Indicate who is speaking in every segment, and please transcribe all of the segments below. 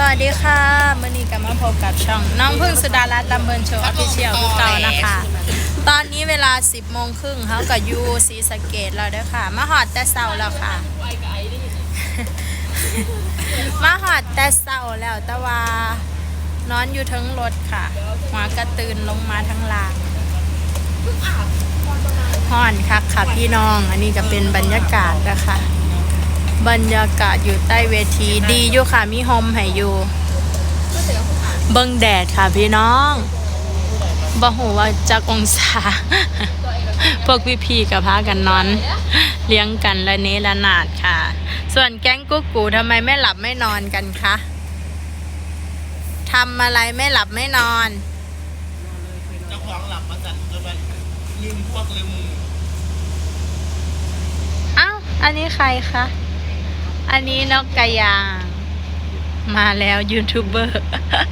Speaker 1: วัสดีค่ะมื่อนี้ก็มาพบกับช่องน้องพึ่งสุดารัตน์ลำเพลินโชว์ออฟฟิเชียลคือเก่านะคะ ตอนนี้เวลา 10 โมงครึ่งเขากับยูศรีสะเกษแล้วเด้อค่ะมาหอดแต่เช้าแล้วค่ะ มาหอดแต่เช้าแล้วแต่ว่านอนอยู่ทั้งรถค่ะหัวกระตื่นลงมาทั้งล่างห่อนคักค่ะพี่น้องอันนี้ก็เป็นบรรยากาศนะคะบรรยากาศอยู่ใต้เวทีดีอยู่ค่ะมีโฮมให้อยู่เบิ่งแดดค่ะพี่น้องบ่ฮู้ว่าจักองศา พวกพี่ๆกับพากันนอนเลี้ยงกันละเนระนาดค่ะส่วนแก๊งกุ๊กกูทำไมไม่หลับไม่นอนกันคะทำอะไรไม่หลับไม่นอน
Speaker 2: เจ้าของหลับมาสั่นจนมันลืมพวกลืม
Speaker 1: อ้าวอันนี้ใครคะอันนี้นกกระยางมาแล้วยูทูบเบอร์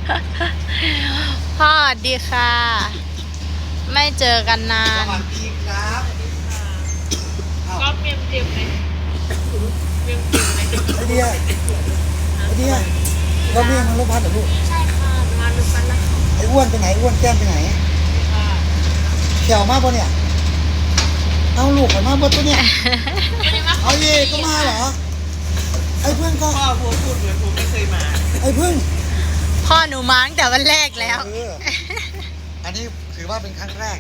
Speaker 1: พ่อดีค่ะ ไม่เจอกันนา
Speaker 2: ส
Speaker 1: น
Speaker 2: วัสดีครับ
Speaker 3: ก็เมียมเต็มเลยเมียมเต็มเลย
Speaker 2: ไอเดียเราเรียกมันรถพัดเหรอลูก
Speaker 3: ใช่ค่ะมาดูกันนะคะ
Speaker 2: ไอ้อ้วนไปไหนอ้วนแก้มไปไหนเขียวมากปะเนี่ยเอาลูกไปมากปะตัวเนี่ยเอาเย่ก็มาเหรอไอ้เพื่อนก็พ่อพูดเหมือนผมไม่เคยมาไอ้เพื่อน
Speaker 1: พ่อหนูมาตั้งแต่วันแรกแล้ว
Speaker 2: อันนี้ถือว่าเป็นครั้งแรก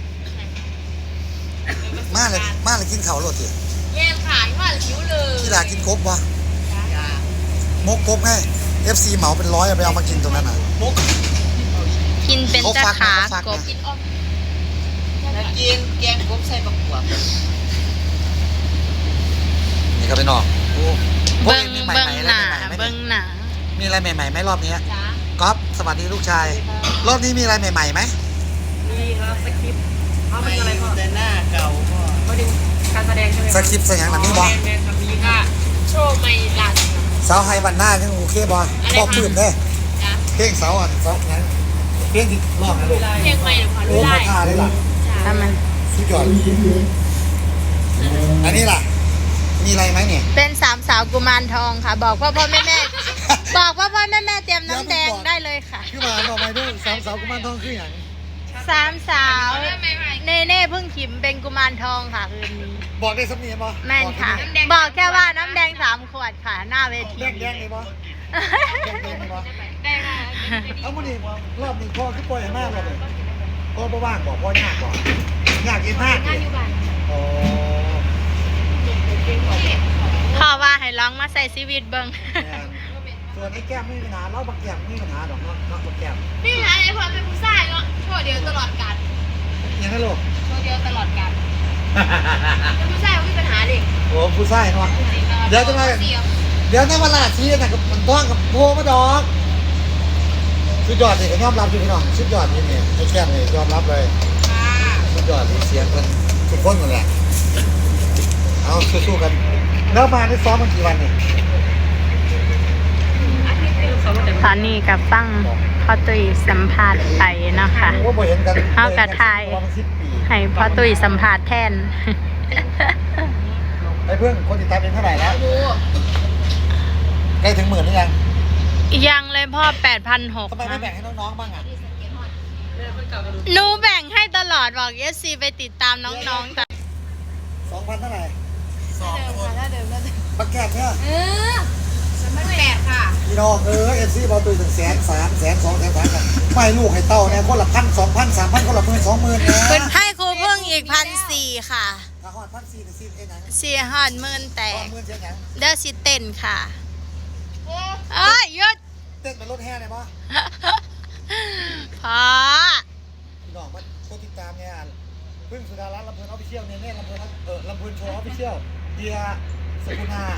Speaker 2: มาเลยกินเขาหลดสิ
Speaker 3: แย่ขายว่าหิวเลย
Speaker 2: ที่ดากินครบวะมกครบให้ FC เหมาเป็น100ไปเอามากินตรงนั้นน่ะมก
Speaker 1: กินเป็นตะขากบ
Speaker 3: กินอ้อมกินแกงกบใส่บักขวบ
Speaker 2: นี่ก็ไปนอก
Speaker 1: เบิ้งหนาเบิ้งหนา
Speaker 2: มีอะไรใหม่ๆไหมรอบนี้
Speaker 3: จ้า
Speaker 2: ก๊อฟสวัสดีลูกชาย รอบนี้มีอะไรใหม่ๆไหม
Speaker 3: มีครับสคริปต์เขาเป็นอะไรพ่อ
Speaker 2: แต่หน้าเก่าพ่อ
Speaker 3: เขาดึงการแสดงใช่ไหม
Speaker 2: สคริปต์สยังหนังนี่บอ
Speaker 3: แมนครับมีค่ะโชว์ไม่หลัด
Speaker 2: สาวไฮวันหน้ายังโอเคบอพอปืนเด้
Speaker 3: จ้า
Speaker 2: เพลงเสาอ่ะเสางั้นเพลงที่ร้องนะลูก
Speaker 3: เพลงใหม่หรือพอ
Speaker 2: โอ้
Speaker 3: รู้
Speaker 2: มา
Speaker 3: ได้
Speaker 2: ท่าได้ล่ะ
Speaker 1: ทำมัน
Speaker 2: สุดยอดอันนี้ล่ะ มีอะไรไหมเนี่ย
Speaker 1: เป็นสามสาวกุมารทองค่ะ บอกพ่อแม่ บอกพ่อแม่เตรียมน้ำแดงได้เลยค่ะ
Speaker 2: คือมาบอกไปด้วยสาวกุมารทองคืออย่าง
Speaker 1: สามสาว
Speaker 3: ได้ไหมไหม
Speaker 1: เน่เพิ่งขิมเป็นกุมารทองค่ะคืนนี้
Speaker 2: บอกได้สำเนียงบอ
Speaker 1: แม่นค่ะ บอกแค่ว่าน้ำแดง3 ขวดค่ะ หน้าเวที
Speaker 2: แดงเลยบอแดงเลยบอ
Speaker 3: ได้ค่ะ
Speaker 2: เอามาดิรอบนี้พ่อคือปล่อยให้มากเลยพ่อบ่ว่างบอกพ่อยากบอกยากกินมาก
Speaker 3: งานอยู่บ้าน
Speaker 2: โอ้
Speaker 1: พ่อว่าให้ร้องมาใส่ชีวิตเบิ้ง
Speaker 2: ส่วนไอ้แก้มไม่มีปัญหาเล่าบักแก้มไม่มีปัญหาดอกเนาะบักแก้ม
Speaker 3: นี่อะไรพอเป็นผู้ชายเนาะโชว์เดียวตลอดกาล
Speaker 2: ยังไงลูก
Speaker 3: โชว์เดียวตลอดกาลเป็นผู้ชายไม่มีปัญหาดิ
Speaker 2: โอ้ผู้ชายเนาะ เดี๋ยวจะมา
Speaker 3: เสียง
Speaker 2: เดี๋ยวในเวลาที่น่ะกับมันต้องกับโพมาดอกสุดยอดเลยก็ยอมรับอยู่พี่น้องสุดยอดนี่เนี่ยไอ้แก้มเลยยอมรับเลย
Speaker 3: ค่ะ
Speaker 2: สุดยอดที่เสียงมันทุกคนหมดแหละเอาสู้ๆกันแล้วมาได้ซ้อมมันกี่วันเนี่ย
Speaker 1: ตอนนี้กับฟังพ่อตุ้ยสัมภาษณ์ไปนะคะ
Speaker 2: ว่าบ่เห็นกัน
Speaker 1: เอากระทาย
Speaker 2: ประมาณ10 ปี
Speaker 1: ให้พ่อตุ้ยสัมภาษณ์แทน
Speaker 2: ไอ้เพื่อนคนติดตามเป็นเท่าไหร่แล้ว
Speaker 3: ดู
Speaker 2: ใกล้ถึง10,000หรือยัง
Speaker 1: ยังเลยพ่อ
Speaker 2: ทำไม
Speaker 1: 8,600
Speaker 2: ไม่แบ่งให้น้องๆบ้างอ่ะ
Speaker 1: หนูแบ่งให้ตลอดบอกเอสซีไปติดตามน้องๆแต่
Speaker 2: 2,000เท่าไหร่
Speaker 3: 2 คนถ้าเดิมก็เดิม
Speaker 2: บักแก้มเนี่ย
Speaker 3: ฉันไม่8ค่ะ
Speaker 2: พี่น้องFC บอลตัวถึง100,000 300,000 200,000 300,000กันไม่ลูกให้เต้าเนี่ยคนละ1,000 2,000 3,000คนละ10,000 20,000นะ
Speaker 1: ให้ครูพึ่งอีก1,400ค่ะ
Speaker 2: ถ้าฮอด1,400ถึง10เอ็นหยัง
Speaker 1: 4 หอดหมื่นแตก
Speaker 2: 20,000เสียหยัง
Speaker 1: เด้อสิเต้นค่ะเอ้ยหยุด
Speaker 2: เต้นเป็นรถแห่ได้บ่
Speaker 1: พอ
Speaker 2: พี่น้องมาโคติดตามเนี่ยพึ่งสุดารัตน์ลำเพลินออฟฟิเชียลเนี่ยลำเพลินลำเพลินโชว์ออฟฟิเชียลเดียสกุณา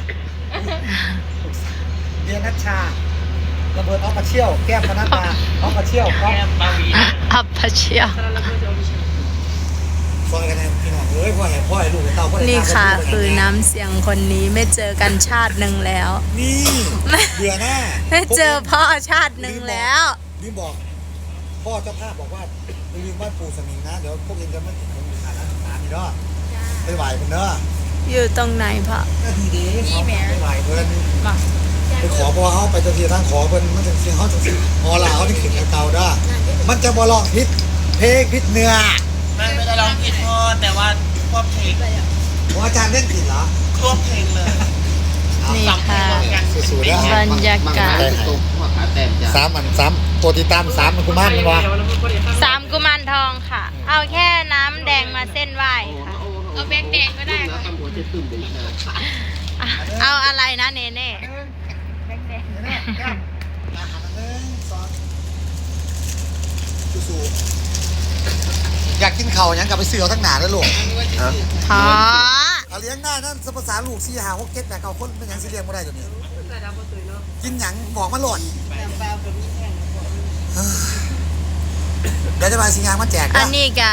Speaker 2: เดียนัชชาลำเพลินออฟฟิเชียลแก้มพนัดมาออฟฟิเชียลแก้มบาวี
Speaker 1: อัพพเชียว
Speaker 2: ซอยกันนะพี่น้องพ่อให้ลูกให้เต้าพ่อให้
Speaker 1: นี่
Speaker 2: ตา
Speaker 1: ค่ะ
Speaker 2: พ่อให้
Speaker 1: คือน้ำเสียงคนนี้ไม่เจอกันชาติหนึ่งแล้ว
Speaker 2: นี่เบื่อหน้า
Speaker 1: ไม่เจอพ่อชาติหนึ่งแล้ว
Speaker 2: ลืมบอกพ่อเจ้าภาพบอกว่าลืมบ้านปู่สมิงนะเดี๋ยวพวกเองจะไม่ถึงขาดน้ำตาลนี่เนาะไปไหวเพิ่นเนาะ
Speaker 1: อยู่ตรงไหนพ่อ
Speaker 2: ก็ดีดีเขาไปไหวเพิ่น
Speaker 1: บอก
Speaker 3: จ้า
Speaker 2: ไปขอพอเขาไปจะทีทางขอเพิ่นมันจะเสียงเขาจะสิพอลาเขาที่ขึ้นเก่าๆได้มันจะบ่ลองพิษเพลงพิษเนื้อ
Speaker 3: ไม่ได้ร้องผิดพ่อแต่ว่าควบเพลง
Speaker 2: ของอาจารย์เล่นผิดเหรอ
Speaker 3: ควบเพลงเลย
Speaker 1: นี่ค่ะ
Speaker 2: สู้ๆนะ
Speaker 1: บรรยากาศ
Speaker 2: สามตัวติดตาม3มันกุมารมันวะ
Speaker 1: 3 กุมารทองค่ะ เอาแค่น้ำแดงมาเส้นไหว้ค่ะ
Speaker 3: เอาแบงค์แดงก็ได้ค่ะ
Speaker 1: อ่ะเอาอะไรนะเนเน่
Speaker 2: สู้ๆอยากกินเข่าวยังกลับไปซื้อเอาทั้งหนาแล้วลูก
Speaker 1: ขอ
Speaker 2: เอาเลี้ยงได้นั่นสภาษาลูก4 5 6 7 8 9คนเป็นหยังสิเลี้ยงบ่ได้เดี๋ยวนี้กินหยังบอกมาโหลดเดี๋ยวจะมาสิงานมาแจก
Speaker 1: อั
Speaker 2: นะ
Speaker 1: นนี้ก็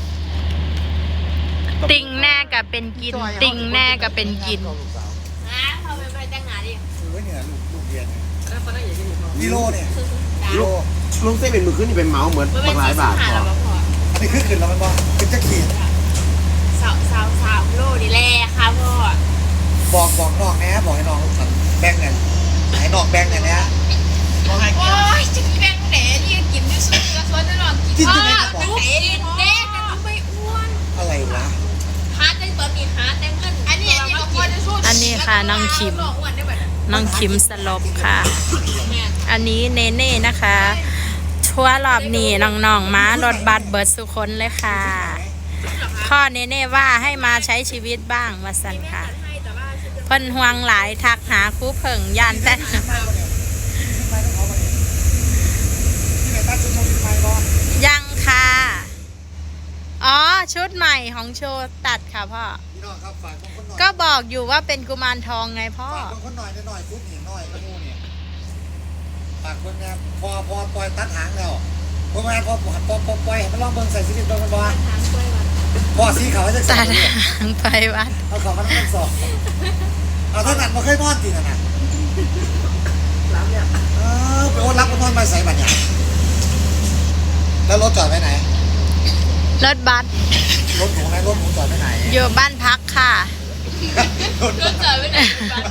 Speaker 1: ติงแน่กับเป็นกิน ติงแน่กับเป็นกิน
Speaker 3: เขาไปแต่งงานดิ
Speaker 2: ซื้อไว้เนี่ยลูกเรียนกิโลเนี่ยกิโล
Speaker 4: ลุงเส้นเป็นมือขึ้นนี่เป็นเมาส์เหมือนบางหลายบาทพอ
Speaker 2: อันนี้ขึ้นแล้วมันบอกขึ้นจะขีด
Speaker 3: สาวโลดีแลค่ะพ่อ
Speaker 2: บอกน้องแหนะบอกให้น้องสั่งแบ่งเงินให้น้องแบ่งเงินเนี่ย
Speaker 3: โอ้ยจะกินแบงค์แหนนี่กินด้วยซุปกระสวนจะลองกินแบงค์แหนแดงกันไม่อ้วน
Speaker 2: อะไรวะ
Speaker 3: หาแต่ตอนนี้หาแต่เงินอันนี้ก็พอจะสู้
Speaker 1: อันนี้ค่ะน้องคิม
Speaker 3: อ้วนได้แบบ
Speaker 1: น้องคิมสลบค่ะ อันนี้เนเน่นะคะชัวร์รอบนี้น้องๆมารถบัสเบิร์ดสุคนเลยค่ะ พ่อเนเน่ว่าให้มาใช้ชีวิตบ้างมาสั่นค่ะ
Speaker 3: ให้แต่ว่า
Speaker 1: เพิ่นห่วงหลายทักหาครูเพิ่งยานแต่
Speaker 2: ที่ไหนตั้งชุดโมบิลไฟบอล
Speaker 1: ยังค่ะ อ๋อ ชุดใหม่ของโชว์ตัดค่ะพ่อ
Speaker 2: พี่น้องครับฝากคนหน่อย
Speaker 1: ก็บอกอยู่ว่าเป็นกุมารทองไงพ่อ
Speaker 2: ฝากคนหน่อยฟุตหญิงหน่อยกระมูเนี่ยฝากคนเนี่ยพอปล่อยตัดหางแล้วพอมาพอปล่อยให้มันลองเบิ่งใส่ชีวิตเบิ่งมันบ่พอสีขาวให้จะ
Speaker 1: ตั
Speaker 2: ใส่
Speaker 1: ด
Speaker 2: เนี่ย
Speaker 1: หางไปวัด
Speaker 2: เอาของมันต้องสอบเอาเท่านั้นมาเคยนอนจริงนะไปโอนรับก็นอนมาใส่บัตรเนี่ยแล้วรถจอดไว้ไหน
Speaker 1: รถบัส
Speaker 2: รถหนูไหนรถหนูจอดไว้ไหน
Speaker 1: อยู่บ้านพักค่ะ
Speaker 2: รถ
Speaker 3: เจอไม่ได้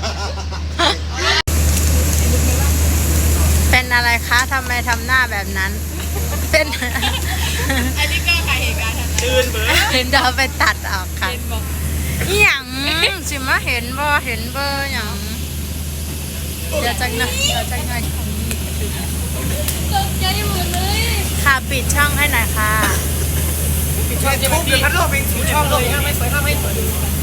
Speaker 1: เป็นอะไรคะทำไมทำหน้าแบบนั้น เป็น
Speaker 3: อันนี้ก็ใครเหตุการณ์ตื่นเบอร์
Speaker 1: เห็นเดาไปตัดออกค่ะอหย่างสิมาเห็นบ่เห็นเบอร์อย่างเดี๋ยวจังหน่อย
Speaker 3: ตกใจหมดเลย
Speaker 1: ค่ะปิดช่องให้หน่อยค่ะ
Speaker 2: ช่องทุบเดือดพัดลมเป็นสีช่องเลยไม่สวยไม่สวย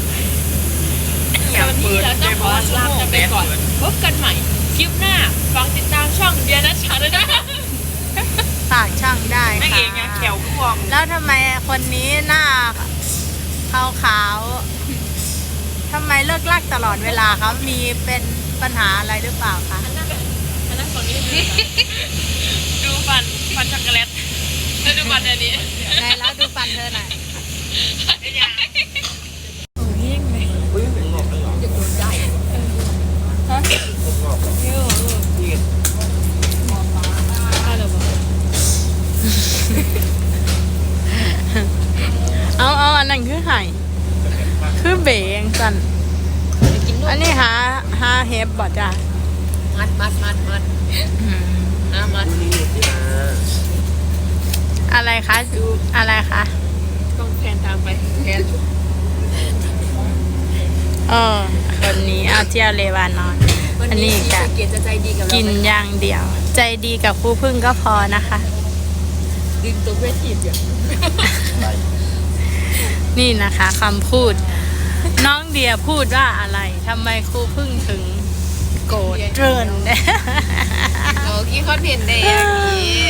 Speaker 3: วันนี้เราต้องขอลากันไปก่อน พบกันใหม่ คลิปหน้า ฟังติดตามช่องเดียนัชชาด้วยนะ
Speaker 1: ฝากช่องได้ค่ะ
Speaker 3: วง
Speaker 1: แล้วทำไมคนนี้หน้าขาวๆทำไมเลิกลักตลอดเวลาเขามีเป็นปัญหาอะไรหรือเปล่าคะ
Speaker 3: อันนั้นฝั่งนี้ดูฟันช็อกโกแลตแล้วดูฟันอันนี้
Speaker 1: ไหนแล้วดูฟันเธอหน่อย เอาอันนั้นคือไห่คือเบงสันอันนี้หาเฮฟบ่จ้ะ
Speaker 3: มัด
Speaker 1: อืม
Speaker 3: มัด
Speaker 1: อะไรคะอะไรคะ
Speaker 3: ต้องแทนตามไปแทน
Speaker 1: คนนี้เอาเที่ยวเลวานอน อันนี้กะ
Speaker 3: เกียรติจะใจดีกับเรา
Speaker 1: กินอย่างเดียว ใจดีกับครูพึ่งก็พอนะคะ
Speaker 3: ดึงตัวเวทีอยู่
Speaker 1: นี่นะคะคำพูด น้องเดียพูดว่าอะไรทำไมครูพึ่งถึงโกรธเริน
Speaker 3: โอ้กี้เขาเห็นได้อย่างนี้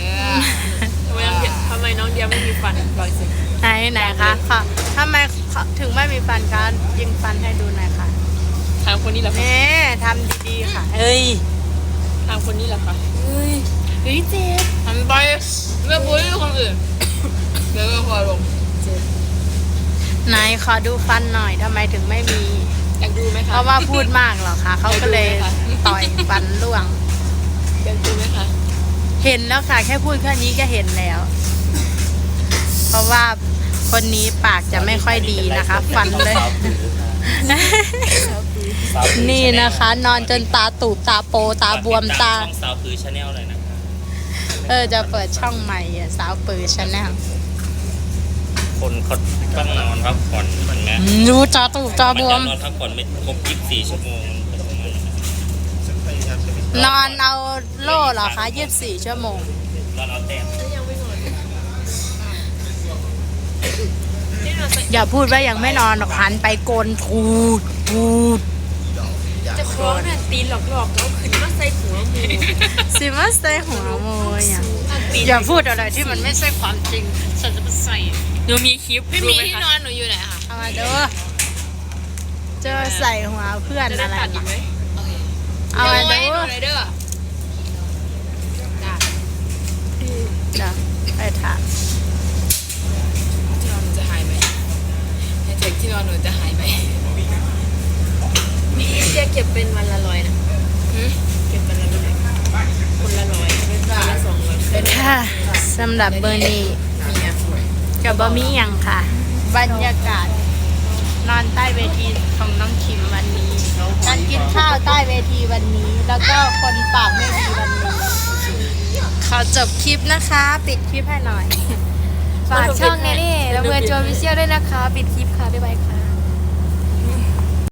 Speaker 3: ทำไมน้องเดียไม่มีฟันบอกสิ
Speaker 1: ไหนคะค่ะทำไมถึงไม่มีฟันคะยิงฟันให้ดูหน่อยค่ะ
Speaker 3: ทางคนนี้เหรอคะ
Speaker 1: เน่ทำดีๆค่ะเอ้ย
Speaker 3: ทางคนนี้เหรอคะเฮ้ยเจ็บทำไปเมื่อปุ้ยคนอื่นเดี๋ยวก็พอลง
Speaker 1: ไหนขอดูฟันหน่อยทำไมถึงไม่มี
Speaker 3: อยากดูไหม
Speaker 1: เพ
Speaker 3: คะ
Speaker 1: ราะว่าพูดมากเหรอคะเขาก็เลยต่อยฟันร่วง
Speaker 3: อยากดูไหมคะ
Speaker 1: เห็นแล้วค่ะแค่พูดแค่นี้ก็เห็นแล้ว เพราะว่าคนนี้ปากจะไม่ค่อยดีนะคะ ฟันเลยนี่นะคะ นอนจนตาตูบตาโปตาบวมตา
Speaker 5: ช่องสาวคือชาแนลเลยนะครับ
Speaker 1: จะเปิดช่องใหม่อ่ะสาวปือชาแนล
Speaker 5: คนเขาต้องนอนพักผ่อนเห็นไหม
Speaker 1: ดูตาตูบตา
Speaker 5: มัน
Speaker 1: บว
Speaker 5: จะ
Speaker 1: ม
Speaker 5: นอนพักผ่อนไม่ครบ24 ชั่วโมง
Speaker 1: นอนเอาโล่เหรอคะ24 ชั่วโมง
Speaker 5: นอนเอาแต้ม
Speaker 1: อย่าพูดว่ายังไม่นอนหรอกหันไปโกนทูดทูด
Speaker 3: จะคล้องเนี่ยตีนหลอกๆแล้วขึ้นมาใส่หัวหมู
Speaker 1: สิมาใส่หัวโมยอ่ะอย่าพูดอะไรที่มันไม่ใช่ความจริงฉันจะไปใส่
Speaker 3: หนูมีคลิปพี่มีที่นอนหนูอยู่ไหนคะ
Speaker 1: เอามาดูเจอใส่หัวเพื่อน
Speaker 3: จะได้
Speaker 1: อะไร
Speaker 3: ตัดอีกไหม
Speaker 1: เอามาดู
Speaker 3: ไว้หนูเลยเด้อจ้า
Speaker 1: เดี๋ยวไปถาม
Speaker 3: ที่นอนหนูจะหายไหมแฮชแท็กที่นอนหนูจะหายไหมเจ๊เก็บเป็นวันละ100นะเก็บวันละ100คนละ100คนละ200
Speaker 1: ค่ะสำหรับเบอร์นี้
Speaker 3: มีอ่ะ
Speaker 1: กับบะมี่ยังค่ะ บรรยากาศ นอนใต้เวทีของน้องคิมวันนี้ การกินข้าวใต้เวทีวันนี้ แล้วก็คนปากไม่ดีวันนี้ ขอจบคลิปนะคะ ปิดคลิปให้หน่อย
Speaker 3: ฝากช่องนี้นี่ระเบิดโจวิเชียลด้วยนะคะ ปิดคลิปค่ะ บ๊ายบายค่ะ